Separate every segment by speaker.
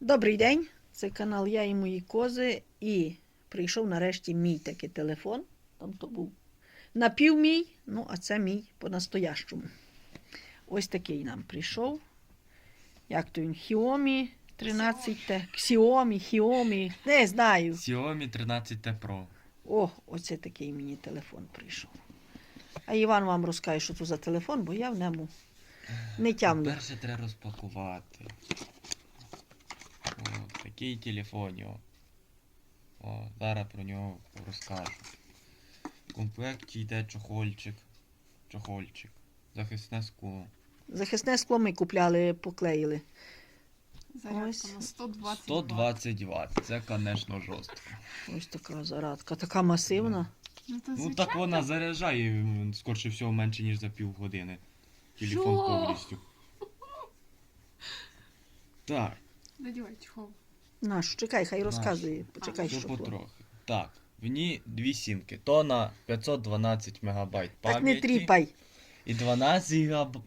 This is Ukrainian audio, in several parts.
Speaker 1: Добрий день, це канал Я і мої кози. І прийшов нарешті мій такий телефон. Там то був напів мій, ну а це мій по-настоящому. Ось такий нам прийшов. Як то він? Xiaomi 13T. Xiaomi, не знаю.
Speaker 2: Xiaomi 13T Pro.
Speaker 1: О, оце такий мені телефон прийшов. А Іван вам розкаже, що це за телефон, бо я в ньому не тямлю.
Speaker 2: Перше треба розпакувати. О, такий телефон. О, зараз про нього розкажу. В комплекті йде чохольчик. Захисне скло.
Speaker 1: Захисне скло ми купляли, поклеїли.
Speaker 3: Зарядка
Speaker 1: Ось.
Speaker 3: на 120
Speaker 2: 120 Вт. Це, звісно, жорстко.
Speaker 1: Ось така зарядка, така масивна.
Speaker 3: Ну, то
Speaker 2: Ну
Speaker 3: звичайно.
Speaker 2: так вона заряджає, скорше всього, менше, ніж за півгодини. Телефон
Speaker 3: Що?
Speaker 2: повністю. Так.
Speaker 3: Надівай чехол.
Speaker 1: Наш, чекай, хай розказує. Почекай,
Speaker 2: Все
Speaker 1: що.
Speaker 2: потрохи. Так, в ній дві сімки. То на 512 МБ пам'яті.
Speaker 1: Так не тріпай.
Speaker 2: І 12 ГБ.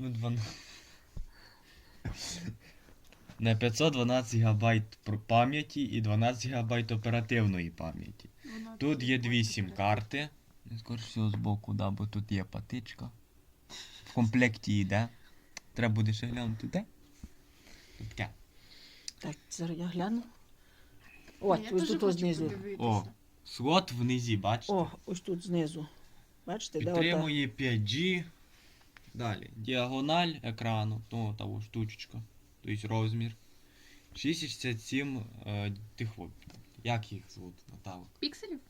Speaker 2: На 512 ГБ пам'яті і 12 ГБ оперативної пам'яті.
Speaker 3: Вона
Speaker 2: Тут є дві
Speaker 3: дуже
Speaker 2: сім-карти. Скоріше всього збоку, да, бо тут є патичка. В комплекті йде. Треба буде ще глянути, де? Тут таке.
Speaker 1: Так, зараз я гляну.
Speaker 3: Я
Speaker 1: От, ось
Speaker 3: дуже
Speaker 1: тут
Speaker 3: хочу
Speaker 1: ось знизу.
Speaker 3: подивитися.
Speaker 2: О, слот внизі, бачите?
Speaker 1: О, ось тут знизу. Бачите, де ота?
Speaker 2: Підтримує 5G. Далі. Діагональ екрану, то того штучечка. Тобто розмір. 667 тих от. Як їх звуть, Наталок?
Speaker 3: Пікселів?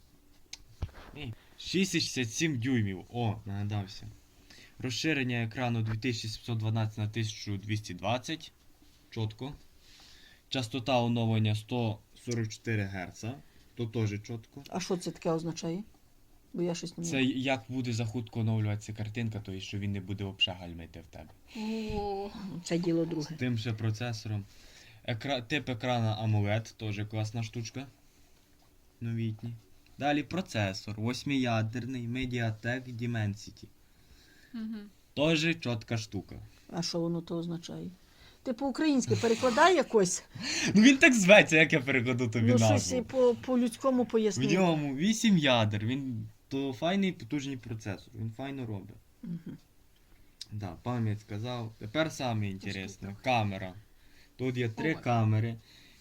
Speaker 2: 667 дюймів. О, нагадався. Розширення екрану 2712 на 1220. Чітко. Частота оновлення 144 Гц. То теж чітко.
Speaker 1: А що це таке означає? Бо я щось не
Speaker 2: Це
Speaker 1: знаю.
Speaker 2: як буде захутко оновлюватися картинка, то що він не буде взагалі гальмити в тебе.
Speaker 3: О,
Speaker 1: Це діло друге.
Speaker 2: Тим же процесором. Тип екрана AMOLED, теж класна штучка. Новітній. Далі процесор. 8-ядерний Mediatek Dimensity.
Speaker 3: угу.
Speaker 2: Теж чітка штука.
Speaker 1: А що воно то означає? Ти по-українськи перекладай якось?
Speaker 2: Ну він так зветься, як я перекладу тобі
Speaker 1: Ну, щось
Speaker 2: назву.
Speaker 1: по-людському
Speaker 2: В
Speaker 1: поясни.
Speaker 2: ньому 8 ядер. Він то файний потужний процесор. Він файно робить.
Speaker 1: Угу.
Speaker 2: Да, пам'ять сказав. Тепер саме інтересне.
Speaker 3: трохи.
Speaker 2: Камера. Тут є три
Speaker 3: Ой.
Speaker 2: камери.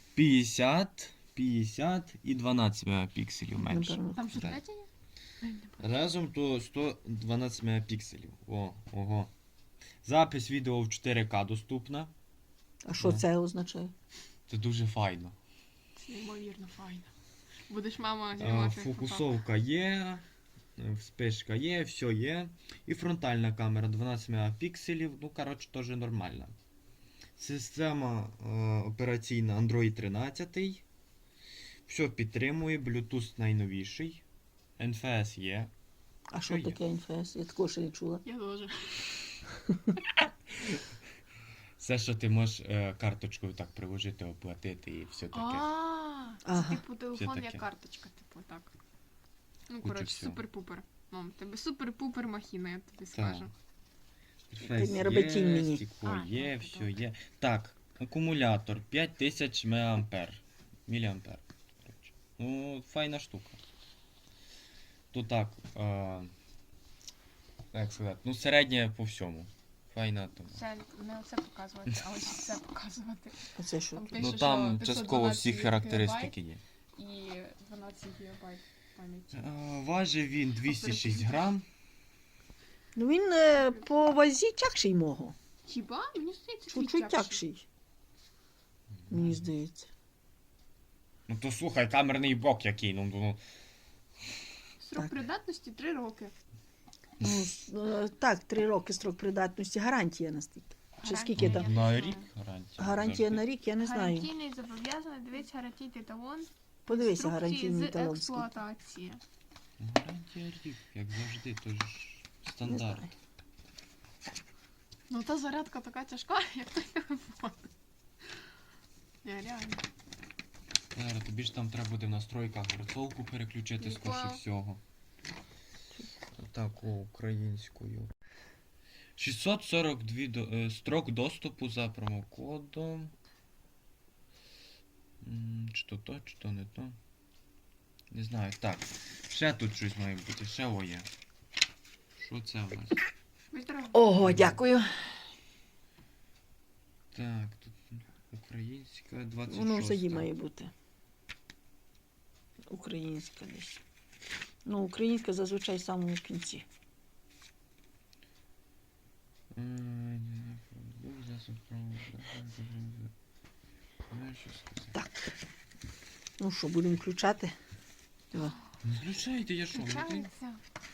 Speaker 2: 50 і 12 мегапікселів менше.
Speaker 1: Напевно.
Speaker 3: Там що
Speaker 2: Так.
Speaker 3: третя є? Ай, не бачу.
Speaker 2: Разом то 112 мегапікселів. Ого. Запис відео в 4К доступна.
Speaker 1: А що це означає?
Speaker 2: Це дуже файно.
Speaker 3: Це неймовірно файно. Будеш мама знімати фото.
Speaker 2: Фокусовка є, вспишка є, все є. І фронтальна камера 12 мегапікселів. Ну, коротше, теж нормальна. Система операційна Android 13. Все підтримує, Bluetooth найновіший. NFS є.
Speaker 1: А що
Speaker 2: Є.
Speaker 1: таке НФС? Я такого ще не чула.
Speaker 3: Я теж.
Speaker 2: Все, що ти можеш карточкою так приложити, оплатити і все таке.
Speaker 3: Це
Speaker 1: Ага.
Speaker 3: типу телефон
Speaker 2: Все
Speaker 3: як
Speaker 2: таке.
Speaker 3: карточка, типу, так. Ну,
Speaker 2: Куча
Speaker 3: коротше,
Speaker 2: всього.
Speaker 3: супер-пупер. Мам, тебе супер-пупер махіна, я тобі
Speaker 2: Так.
Speaker 3: скажу.
Speaker 2: Інтерфейс
Speaker 1: не роби тінь мені.
Speaker 2: стекло
Speaker 3: А,
Speaker 2: є,
Speaker 3: добре,
Speaker 2: все
Speaker 3: добре.
Speaker 2: є. Так, акумулятор 5000 мА. Міліампер. коротше. Ну, файна штука. Тут так, як сказати, ну середнє по всьому. Файна тому.
Speaker 3: Це не оце показувати, а ось це показувати.
Speaker 1: А це що?
Speaker 3: Там
Speaker 1: таке?
Speaker 2: Ну
Speaker 3: пише,
Speaker 2: там
Speaker 3: що
Speaker 2: частково всі
Speaker 3: 512
Speaker 2: характеристики є.
Speaker 3: І 12 гігабайт пам'яті.
Speaker 2: Важить він 206 грам.
Speaker 1: Ну він по вазі тягший мого.
Speaker 3: Хіба? Мені здається,
Speaker 1: Чуть-чуть тягший. Мені здається.
Speaker 2: Ну то слухай, камерний блок який, ну.
Speaker 3: Срок
Speaker 1: Так.
Speaker 3: придатності 3 роки.
Speaker 1: Ну, так, 3 роки строк придатності, гарантія настільки. Чи скільки там?
Speaker 2: На рік гарантія.
Speaker 1: Гарантія
Speaker 2: завжди.
Speaker 1: на рік, я не знаю.
Speaker 3: Гарантійний зобов'язаний, дивіться гарантійний талон.
Speaker 1: Подивися,
Speaker 3: інструкції
Speaker 1: гарантійний
Speaker 3: з
Speaker 1: талон. скільки.
Speaker 3: експлуатації.
Speaker 2: Гарантія рік, як завжди, то ж
Speaker 1: Не
Speaker 2: стандарт.
Speaker 1: знаю.
Speaker 3: Ну та зарядка така тяжка, як той телефон. Не, реально.
Speaker 2: Зараз тобі ж там треба буде в настройках герцовку переключити скорше
Speaker 3: Вау.
Speaker 2: всього. Так, українською. 642 строк доступу за промокодом. то то, чи то не то. Не знаю. Так. Ще тут щось має бути, ще о є. Що це у нас?
Speaker 3: Ультра.
Speaker 1: Ого, дякую.
Speaker 2: Так, тут українська 26.
Speaker 1: Воно в заді має бути. Українська десь. Ну, українська зазвичай в самому кінці. Так. Ну що, будемо включати? Диво.
Speaker 2: Не включайте, я що?
Speaker 3: Включається.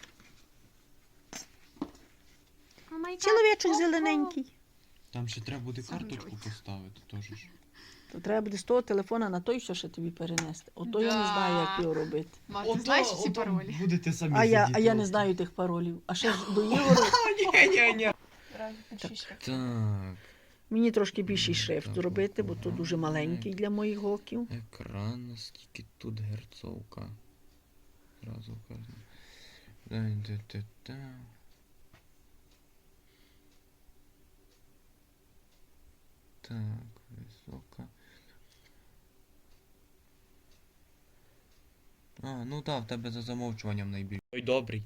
Speaker 3: О май гад,
Speaker 1: Чоловічок
Speaker 3: ого.
Speaker 1: зелененький.
Speaker 2: Там ще треба буде
Speaker 3: Сам
Speaker 2: карточку
Speaker 3: дивись.
Speaker 2: поставити теж ж.
Speaker 1: То треба буде з того телефона на той, що ще тобі перенести. Ото я не знаю, як його робити.
Speaker 3: Ма, ти знаєш всі паролі?
Speaker 2: Будете самі
Speaker 1: А я не знаю тих паролів. А ще ж до Ігору
Speaker 2: Ні.
Speaker 3: Раз, підчищай.
Speaker 2: Так.
Speaker 1: мені трошки більший шрифт
Speaker 2: Так,
Speaker 1: зробити, бо то дуже маленький для моїх оків.
Speaker 2: Екран, скільки тут герцовка. Зразу кажу. Та-та-та-та. Так, висока. Ну так, в тебе за замовчуванням найбільше. Ой, добрий.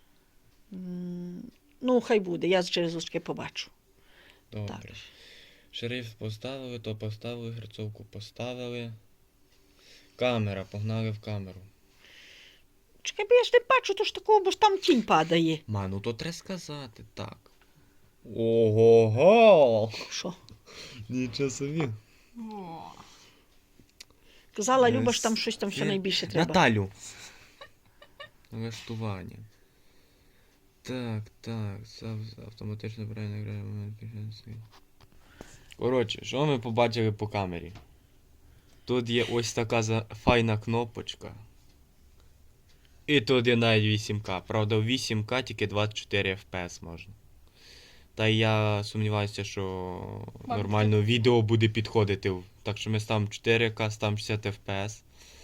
Speaker 1: Ну, хай буде, я через очки побачу.
Speaker 2: Добре.
Speaker 1: Так.
Speaker 2: Шрифт поставили, то поставили, герцовку поставили. Камера, погнали в камеру.
Speaker 1: Чекай, бо я ж не бачу, то ж такого, бо ж там тінь падає.
Speaker 2: Ну то треба сказати, так. Ого-го!
Speaker 1: Що?
Speaker 2: Нічого собі.
Speaker 3: О.
Speaker 1: Казала Люба, що там щось там все найбільше треба.
Speaker 2: Наталю. Налаштування. Так, автоматично правильно грає момент пішенський. Коротше, що ми побачили по камері? Тут є ось така файна кнопочка. І тут є навіть 8К. Правда, в 8К тільки 24 FPS можна. Та й я сумніваюся, що нормально відео буде підходити. Так що ми ставимо 4К, ставимо 60 FPS.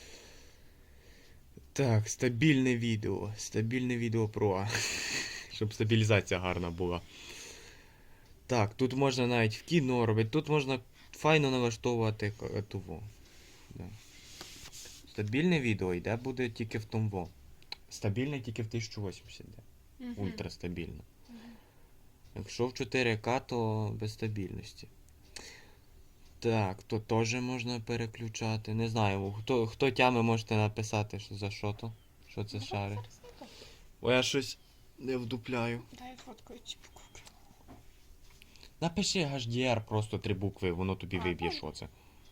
Speaker 2: Так, стабільне відео. Стабільне відео Pro. Щоб стабілізація гарна була. Так, тут можна навіть в кіно робити. Тут можна файно налаштовувати того. Да. Стабільне відео йде буде тільки в тому. Стабільне тільки в 1080 йде.
Speaker 3: Мгм.
Speaker 2: Ультрастабільно. Якщо в 4К, то без стабільності. Так, то теж можна переключати. Не знаю, хто тями можете написати, що за що то. Що це шари. Бо я щось не вдупляю.
Speaker 3: Дай фоткаю ці букви.
Speaker 2: Напиши HDR просто 3 букви, воно тобі виб'є, що це.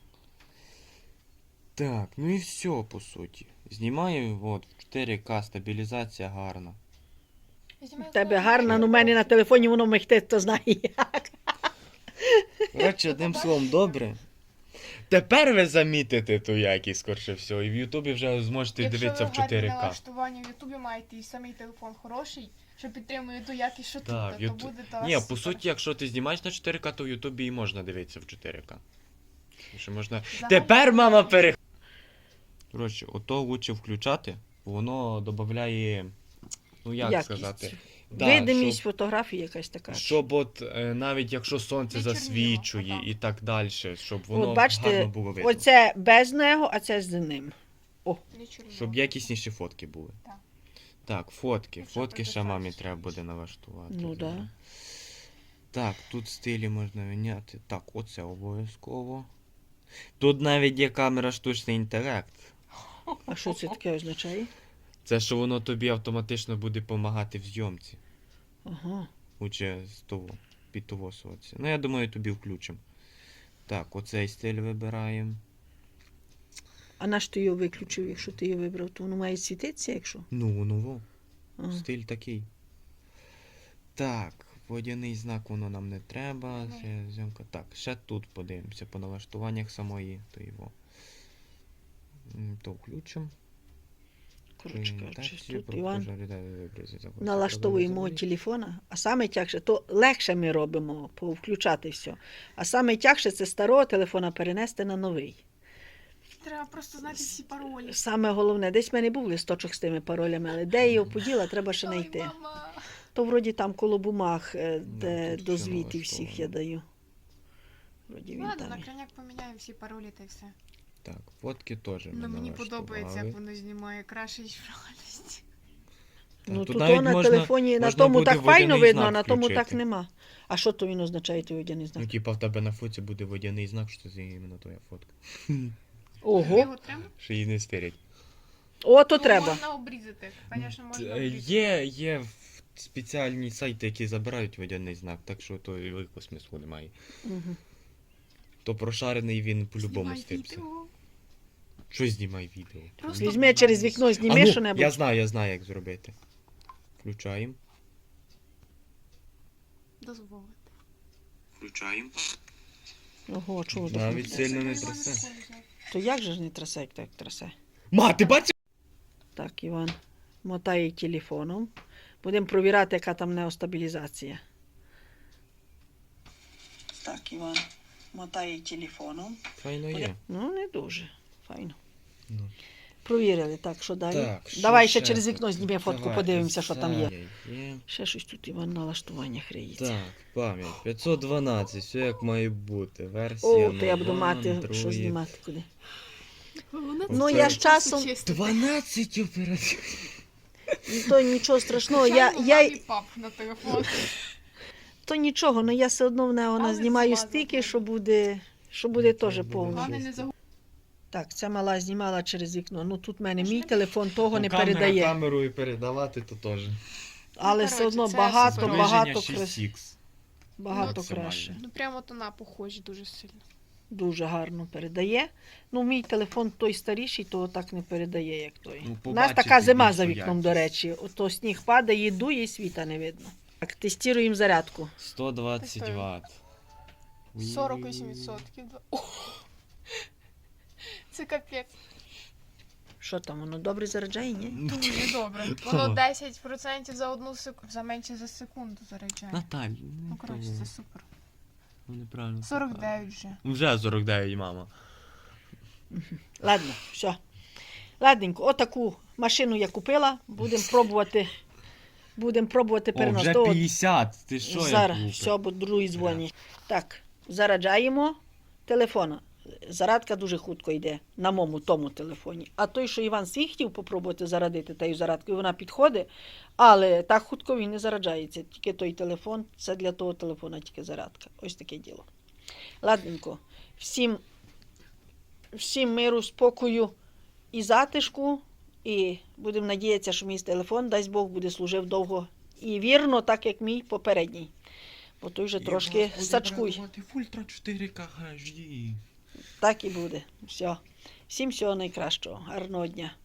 Speaker 2: Так, ну і все, по суті. Знімаю, от, в 4К стабілізація гарна.
Speaker 1: В тебе гарно, ну в мене на телефоні воно мехте, хто знає як.
Speaker 2: Коротше, одним словом, добре. Тепер ви замітите ту якість, скорше всього, і в Ютубі вже зможете дивитися в 4К.
Speaker 3: налаштування в Ютубі маєте і самий телефон хороший, що підтримує ту якість, що
Speaker 2: Так,
Speaker 3: тут, то буде то
Speaker 2: Ні,
Speaker 3: аж
Speaker 2: по
Speaker 3: супер.
Speaker 2: суті, якщо ти знімаєш на 4К, то в Ютубі і можна дивитися в 4К. Тому що можна...
Speaker 3: Загально-
Speaker 2: Тепер мама пере... Коротше, ото лучше включати, бо воно додає, ну як
Speaker 1: Якість.
Speaker 2: сказати... Да,
Speaker 1: Видимість
Speaker 2: щоб,
Speaker 1: фотографії якась така.
Speaker 2: щоб от навіть якщо сонце
Speaker 3: Не чорніло,
Speaker 2: засвічує
Speaker 3: ага.
Speaker 2: і так далі, щоб воно
Speaker 1: От бачите,
Speaker 2: гарно було видно.
Speaker 1: оце без нього, а це з ним.
Speaker 3: Не чорніло.
Speaker 2: Щоб якісніші фотки були.
Speaker 3: Так.
Speaker 2: Так, фотки.
Speaker 3: Якщо
Speaker 2: Фотки ще
Speaker 3: придивитися.
Speaker 2: мамі треба буде налаштувати.
Speaker 1: Ну да.
Speaker 2: Так, тут стилі можна міняти. Так, оце обов'язково. Тут навіть є камера штучний інтелект.
Speaker 1: А що це таке означає?
Speaker 2: Це що воно тобі автоматично буде допомагати в зйомці.
Speaker 1: Ага.
Speaker 2: Лучше з того, під того соці. Ну, я думаю, тобі включимо. Так, оцей стиль вибираємо.
Speaker 1: А наш ти його виключив, якщо ти його вибрав, то воно має світитися, якщо?
Speaker 2: Ну, во.
Speaker 1: Ага.
Speaker 2: Стиль такий. Так, водяний знак воно нам не треба. Ще зйомка. Так, ще тут подивимося по налаштуваннях самої. То його. То включимо.
Speaker 1: Коротше кажучи, тут Іван налаштовує
Speaker 2: Налаштовує
Speaker 1: мого телефона, а саме тягше, то легше ми робимо, повключати все. А саме тягше це старого телефона перенести на новий.
Speaker 3: Треба просто знати всі паролі.
Speaker 1: Саме головне, десь в мене був листочок з тими паролями, але де його поділа, треба ще
Speaker 3: Ой,
Speaker 1: знайти.
Speaker 3: мама.
Speaker 1: То вроді там коло бумаг, де
Speaker 2: тут
Speaker 1: до
Speaker 2: все
Speaker 1: звітів всіх я
Speaker 2: налаштовано.
Speaker 1: даю. Вроді він
Speaker 3: Ладно,
Speaker 1: там.
Speaker 3: на крайняк поміняємо всі паролі та й все.
Speaker 2: Так, фотки теж
Speaker 3: Ну, мені подобається,
Speaker 2: налаштували.
Speaker 3: як воно знімає краще, ніж в реальності.
Speaker 2: Та
Speaker 1: Ну
Speaker 2: тут
Speaker 1: тут
Speaker 2: навіть
Speaker 1: на
Speaker 2: можна-
Speaker 1: телефоні, на
Speaker 2: можна
Speaker 1: тому
Speaker 2: буде
Speaker 1: так файно
Speaker 2: водяний
Speaker 1: видно, а
Speaker 2: знак
Speaker 1: на тому так
Speaker 2: включити.
Speaker 1: нема. А що то він означає, той водяний знак?
Speaker 2: Ну, типа в тебе на фоці буде водяний знак, що це іменно твоя фотка.
Speaker 1: Ого.
Speaker 3: Його треба?
Speaker 2: Що її не стирять.
Speaker 1: О, то
Speaker 3: Ну,
Speaker 1: треба.
Speaker 3: Можна обрізати. Звісно, можна обрізати.
Speaker 2: Є спеціальні сайти, які забирають водяний знак, так що то і великого смислу немає.
Speaker 1: Мгм.
Speaker 2: То прошарений він по-любому
Speaker 3: Знімай
Speaker 2: стипся.
Speaker 3: відео.
Speaker 2: Що знімай відео?
Speaker 3: Просто-
Speaker 1: Візьми через вікно,
Speaker 2: А
Speaker 1: зніми
Speaker 2: ну,
Speaker 1: що-небудь.
Speaker 2: я знаю, як зробити. Включаємо.
Speaker 3: Дозволити.
Speaker 2: Включаємо.
Speaker 1: Ого, чого так?
Speaker 2: Навіть
Speaker 1: не
Speaker 2: сильно не
Speaker 3: Це
Speaker 2: трясе.
Speaker 3: Іван взяв.
Speaker 1: То як же ж не трясе, як так трясе?
Speaker 2: Ма, ти бачиш?
Speaker 1: Так, Іван мотає телефоном. Будемо провіряти, яка там неостабілізація. Так, Іван мотає телефоном.
Speaker 2: Файно є.
Speaker 1: Ну, не дуже. Файно.
Speaker 2: Ну.
Speaker 1: Провірили, так, що далі?
Speaker 2: Так, що
Speaker 1: Давай ще
Speaker 2: ще
Speaker 1: через
Speaker 2: тут?
Speaker 1: вікно зніми фотку,
Speaker 2: Давай,
Speaker 1: подивимося, що там є.
Speaker 2: Є.
Speaker 1: Ще щось тут, Іван, налаштування хриється.
Speaker 2: Так, пам'ять. 512, все як має бути. Версія.
Speaker 1: О, то я буду
Speaker 2: нова,
Speaker 1: мати, що
Speaker 2: Android.
Speaker 1: знімати куди.
Speaker 3: Головне,
Speaker 1: Ну,
Speaker 3: це
Speaker 1: я з
Speaker 3: часу
Speaker 1: часом-
Speaker 3: чистити.
Speaker 2: 12 операцій.
Speaker 1: То нічого страшного,
Speaker 3: Звичайно,
Speaker 1: я,
Speaker 3: мамі пап на телефон.
Speaker 1: то нічого, але я все одно в нього
Speaker 3: Але
Speaker 1: знімаю
Speaker 3: змазати
Speaker 1: стільки,
Speaker 3: буде.
Speaker 1: що буде теж
Speaker 2: буде
Speaker 1: повно.
Speaker 3: Головне, не
Speaker 2: чисто.
Speaker 3: загубити.
Speaker 1: Так, ця мала знімала через вікно. Ну тут в мене мій
Speaker 3: Можна?
Speaker 1: телефон того не
Speaker 2: Камера
Speaker 1: передає.
Speaker 2: камерою передавати, то теж.
Speaker 1: Але
Speaker 3: Ну,
Speaker 1: все одно
Speaker 3: коротше, це
Speaker 1: багато,
Speaker 3: супер.
Speaker 1: багато,
Speaker 2: Зближення 6х.
Speaker 1: багато
Speaker 2: максимально.
Speaker 1: краще.
Speaker 3: Ну, прямо то на похожі дуже сильно.
Speaker 1: Дуже гарно передає. Ну, мій телефон той старіший, то так не передає, як той.
Speaker 2: Ну,
Speaker 1: У нас
Speaker 2: побачите
Speaker 1: така зима
Speaker 2: більшу
Speaker 1: за вікном, до
Speaker 2: якість.
Speaker 1: речі. Ото сніг падає, дує, і світа не видно. Так, тестуємо зарядку.
Speaker 2: 120
Speaker 3: Тестую.
Speaker 2: Вт.
Speaker 3: 48%. Це капець.
Speaker 1: Що там, воно добре заряджає, ні?
Speaker 3: Дуже добре. Воно 10% за одну секунду, за менше за секунду заряджає.
Speaker 2: Наталь,
Speaker 3: Ну, коротше, це супер.
Speaker 2: неправильно.
Speaker 3: 49 вже.
Speaker 2: Вже 49, мама.
Speaker 1: Ладно, все. Ладненько, отаку машину я купила. Будемо пробувати. Будемо пробувати
Speaker 2: О,
Speaker 1: переносити.
Speaker 2: вже
Speaker 1: От,
Speaker 2: 50. Ти що,
Speaker 1: зараз,
Speaker 2: як
Speaker 1: все, бо другий дзвонить. Так, заряджаємо телефона. Зарядка дуже хутко йде на моєму тому телефоні. А той, що Іван свій хотів попробувати зарядити тією зарядкою, вона підходить, але так хутко він не заряджається. Тільки той телефон, це для того телефона тільки зарядка. Ось таке діло. Ладненько. Всім миру, спокою і затишку. І будемо надіятися, що мій телефон, дасть Бог, буде служив довго і вірно, так як мій попередній. Бо той вже трошки сачкуй.
Speaker 2: Ультра 4К HD.
Speaker 1: Так і буде. Все. Всім всього найкращого. Гарного дня.